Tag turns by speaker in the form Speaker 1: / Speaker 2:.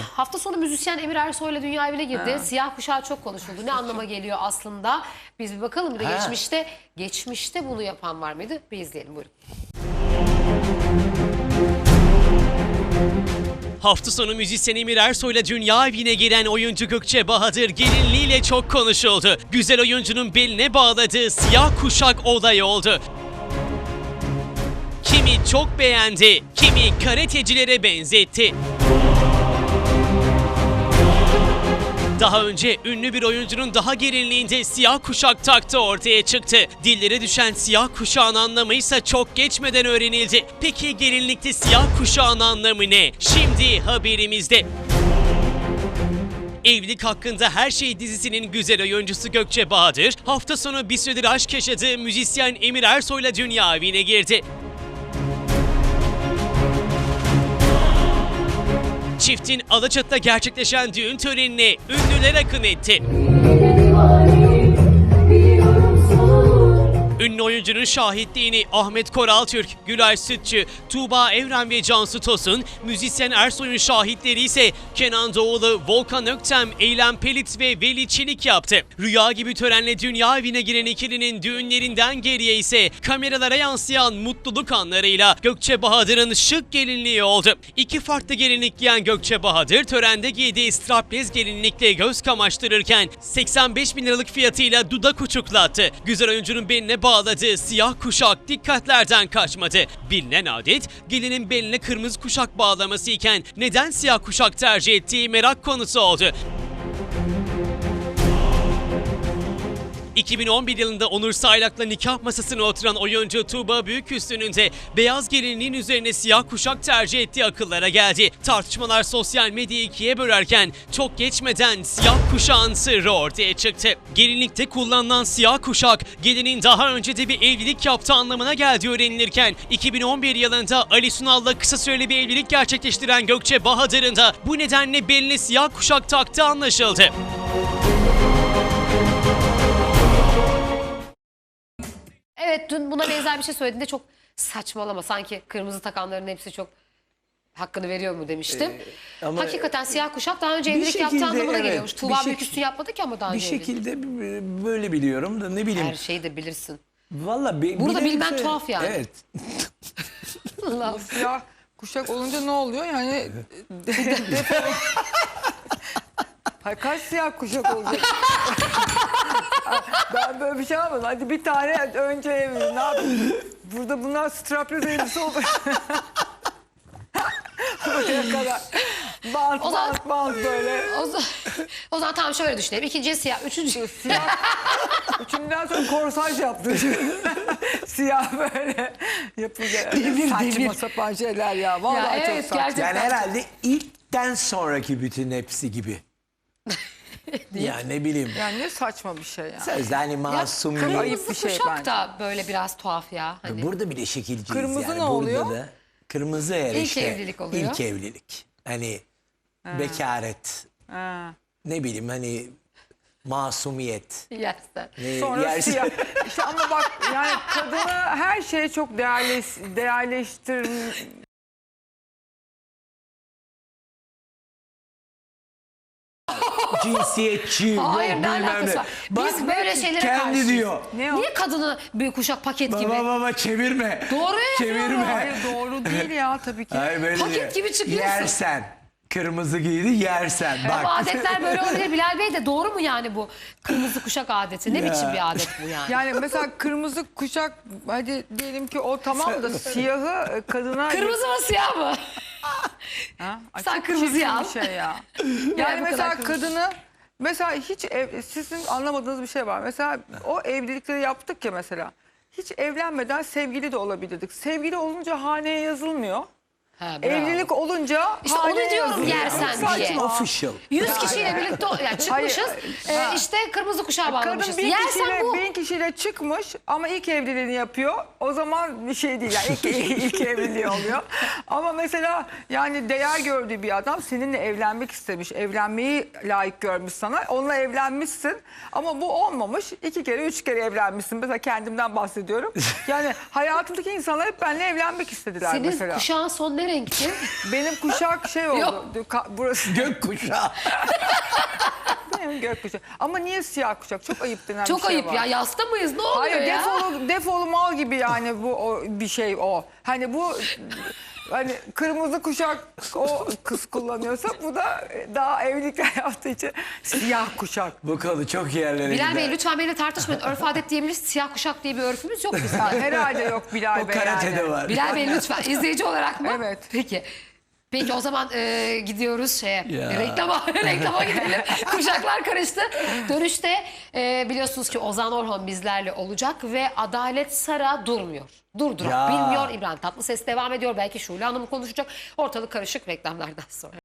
Speaker 1: Hafta sonu müzisyen Emir Ersoy'la dünya evine girdi. Siyah kuşağı çok konuşuldu. Ne anlama geliyor aslında? Biz bir bakalım. Bir de geçmişte bunu yapan var mıydı? Bir izleyelim, buyurun.
Speaker 2: Hafta sonu müzisyen Emir Ersoy'la dünya evine giren oyuncu Gökçe Bahadır gelinliğiyle çok konuşuldu. Güzel oyuncunun beline bağladığı siyah kuşak olay oldu. Kimi çok beğendi, kimi karatecilere benzetti. Daha önce ünlü bir oyuncunun daha gelinliğinde siyah kuşak taktığı ortaya çıktı. Dillere düşen siyah kuşağın anlamı ise çok geçmeden öğrenildi. Peki gelinlikte siyah kuşağın anlamı ne? Şimdi haberimizde. Evlilik Hakkında Her Şey dizisinin güzel oyuncusu Gökçe Bahadır, hafta sonu bir süredir aşk yaşadığı müzisyen Emir Ersoy'la dünya evine girdi. Çiftin Alaçatı'da gerçekleşen düğün törenine ünlüler akın etti. Ünlü oyuncunun şahitliğini Ahmet Koraltürk, Gülay Sütçü, Tuğba Evren ve Cansu Tosun, müzisyen Ersoy'un şahitleri ise Kenan Doğulu, Volkan Öktem, Eylem Pelit ve Veli Çelik yaptı. Rüya gibi törenle dünya evine giren ikilinin düğünlerinden geriye ise kameralara yansıyan mutluluk anlarıyla Gökçe Bahadır'ın şık gelinliği oldu. İki farklı gelinlik giyen Gökçe Bahadır törende giydiği strapless gelinlikle göz kamaştırırken 85 bin liralık fiyatıyla dudak uçuklattı. Güzel oyuncunun beline bağladığı siyah kuşak dikkatlerden kaçmadı. Bilinen adet gelinin beline kırmızı kuşak bağlaması iken neden siyah kuşak tercih ettiği merak konusu oldu. 2011 yılında Onur Saylak'la nikah masasına oturan oyuncu Tuğba Büyüküstü'nün de beyaz gelinliğin üzerine siyah kuşak tercih ettiği akıllara geldi. Tartışmalar sosyal medyayı ikiye bölerken çok geçmeden siyah kuşağın sırrı ortaya çıktı. Gelinlikte kullanılan siyah kuşak gelinin daha önce de bir evlilik yaptığı anlamına geldiği öğrenilirken 2011 yılında Ali Sunal'la kısa süreli bir evlilik gerçekleştiren Gökçe Bahadır'ın da bu nedenle beline siyah kuşak taktığı anlaşıldı.
Speaker 1: Evet, dün buna benzer bir şey söylediğinde çok saçmalama, sanki kırmızı takanların hepsi çok hakkını veriyor mu demiştim.
Speaker 3: Ama
Speaker 1: hakikaten siyah kuşak daha önce evlilik
Speaker 3: şekilde,
Speaker 1: yaptığı anlamına
Speaker 3: evet,
Speaker 1: geliyormuş. Tuğba Büyüküstü yapmadı ki ama daha
Speaker 3: bir
Speaker 1: önce evlilik.
Speaker 3: şekilde böyle biliyorum da ne bileyim.
Speaker 1: Her şeyi de bilirsin.
Speaker 3: Vallahi
Speaker 1: Burada
Speaker 3: bilelim
Speaker 1: bilmen tuhaf yani.
Speaker 3: Evet.
Speaker 1: Allah.
Speaker 4: Siyah kuşak olunca ne oluyor? Yani Hayır, kaç siyah kuşak olacak? Ben böyle bir şey yapmadım. Hadi bir tane önce evli. Ne yapayım? Burada bunlar strapless elbise olur. Buraya kadar. Bant böyle.
Speaker 1: O zaman tamam, şöyle düşünelim. İkinciye siyah, üçüncü
Speaker 4: Siyah. Üçünden sonra korsaj yaptı. Siyah böyle yapılacak. Saçma sapan şeyler ya. Vallahi
Speaker 1: Ya evet,
Speaker 4: çok saçma.
Speaker 1: gerçekten.
Speaker 3: Yani herhalde ilkten sonraki bütün hepsi gibi. Ya ne bileyim.
Speaker 4: Yani ne saçma bir şey ya.
Speaker 3: Sözde hani masum.
Speaker 1: kırmızı
Speaker 4: Ayıp bir şey
Speaker 1: kuşak
Speaker 4: bence.
Speaker 1: da böyle biraz tuhaf ya. Hani.
Speaker 3: Burada bir de şekilciyiz
Speaker 4: Kırmızı
Speaker 3: yani.
Speaker 4: ne
Speaker 3: Burada
Speaker 4: oluyor?
Speaker 3: Da, kırmızı eğer
Speaker 1: İlk
Speaker 3: işte.
Speaker 1: evlilik oluyor.
Speaker 3: İlk evlilik. Hani bekaret.
Speaker 4: Ha.
Speaker 3: Ne bileyim hani masumiyet.
Speaker 1: Yersen.
Speaker 4: Sonra
Speaker 3: yersin.
Speaker 4: siyah. İşte ama bak yani kadını her şeye çok değerleştir.
Speaker 3: Cinsiyetçi.
Speaker 1: Hayır,
Speaker 3: yok
Speaker 1: ne
Speaker 3: bilmem
Speaker 1: alakası
Speaker 3: ne.
Speaker 1: var?
Speaker 3: Bak,
Speaker 1: Biz böyle şeylere
Speaker 3: kendi
Speaker 1: karşıyız.
Speaker 3: diyor.
Speaker 4: Ne o?
Speaker 1: Niye kadını bir kuşak paket gibi?
Speaker 3: Baba çevirme.
Speaker 1: Doğru
Speaker 3: Çevirme.
Speaker 1: yapıyorum.
Speaker 4: Hayır doğru değil ya tabii ki.
Speaker 3: Hayır, böyle
Speaker 1: Paket
Speaker 3: diyor.
Speaker 1: gibi çıkıyorsun.
Speaker 3: Yersen. Kırmızı giydi yersen.
Speaker 1: Ama
Speaker 3: Bak.
Speaker 1: adetler böyle olabilir. Bilal Bey de doğru mu yani bu kırmızı kuşak adeti? Ne
Speaker 3: Ya.
Speaker 1: biçim bir adet bu yani?
Speaker 4: Yani mesela kırmızı kuşak hadi diyelim ki o tamam da siyahı kadına...
Speaker 1: Kırmızı mı siyah mı?
Speaker 4: Ha? Ay,
Speaker 1: Sen
Speaker 4: çok
Speaker 1: kırmızıyı
Speaker 4: çirkin
Speaker 1: al.
Speaker 4: bir şey ya.
Speaker 1: bu
Speaker 4: Yani mesela
Speaker 1: kadar kırmızı.
Speaker 4: kadını mesela hiç sizin anlamadığınız bir şey var. Mesela o evlilikleri yaptık ya mesela. Hiç evlenmeden sevgili de olabilirdik. Sevgili olunca haneye yazılmıyor.
Speaker 1: Ha, bravo.
Speaker 4: Evlilik olunca
Speaker 1: İşte onu
Speaker 4: haneye
Speaker 1: diyorum,
Speaker 4: yazılıyor.
Speaker 1: yersen
Speaker 4: Çok
Speaker 1: diye.
Speaker 4: saçma.
Speaker 3: Official.
Speaker 1: 100 kişiyle birlikte yani çıkmışız.
Speaker 4: Hayır.
Speaker 1: İşte kırmızı kuşağa bağlamışız.
Speaker 4: Kadın
Speaker 1: Yersen bu.
Speaker 4: 1000 kişiyle çıkmış ama ilk evliliğini yapıyor. O zaman bir şey değil. Yani ilk evliliği oluyor. Ama mesela yani değer gördüğü bir adam seninle evlenmek istemiş. Evlenmeyi layık görmüş sana. Onunla evlenmişsin. Ama bu olmamış. 2 kere 3 kere evlenmişsin. Mesela kendimden bahsediyorum. Yani hayatımdaki insanlar hep benimle evlenmek istediler
Speaker 1: Senin
Speaker 4: mesela.
Speaker 1: kuşağın son ne ne renkti?
Speaker 4: Benim kuşak şey oldu. Burası
Speaker 3: Gökkuşağı.
Speaker 4: benim gökkuşağı. Ama niye siyah kuşak? Çok ayıp denen
Speaker 1: Çok
Speaker 4: bir şey
Speaker 1: ayıp
Speaker 4: var.
Speaker 1: ya. Yasta mıyız? Ne oluyor
Speaker 4: Hayır,
Speaker 1: ya?
Speaker 4: defolu mal gibi yani bir şey o. Hani bu hani kırmızı kuşak o kız kullanıyorsa bu da daha evlilik hayatı için siyah kuşak.
Speaker 3: Bu konu çok yerlere
Speaker 1: Bilal
Speaker 3: gider.
Speaker 1: Bey lütfen benimle tartışmayın. Örf adet diyebiliriz. Siyah kuşak diye bir örfümüz yok bizim.
Speaker 4: Herhalde yok Bilal
Speaker 3: O
Speaker 4: Bey
Speaker 3: karatede
Speaker 4: yani.
Speaker 3: var.
Speaker 1: Bilal Bey lütfen izleyici olarak mı?
Speaker 4: Evet.
Speaker 1: Peki. Peki o zaman gidiyoruz şeye.
Speaker 3: Ya.
Speaker 1: Reklama gidelim. Kuşaklar karıştı. Dönüşte biliyorsunuz ki Ozan Orhon bizlerle olacak ve Adalet Sara durmuyor.
Speaker 3: Ya.
Speaker 1: Bilmiyor. İbrahim Tatlıses devam ediyor. Belki Şule Hanım konuşacak. Ortalık karışık reklamlardan sonra.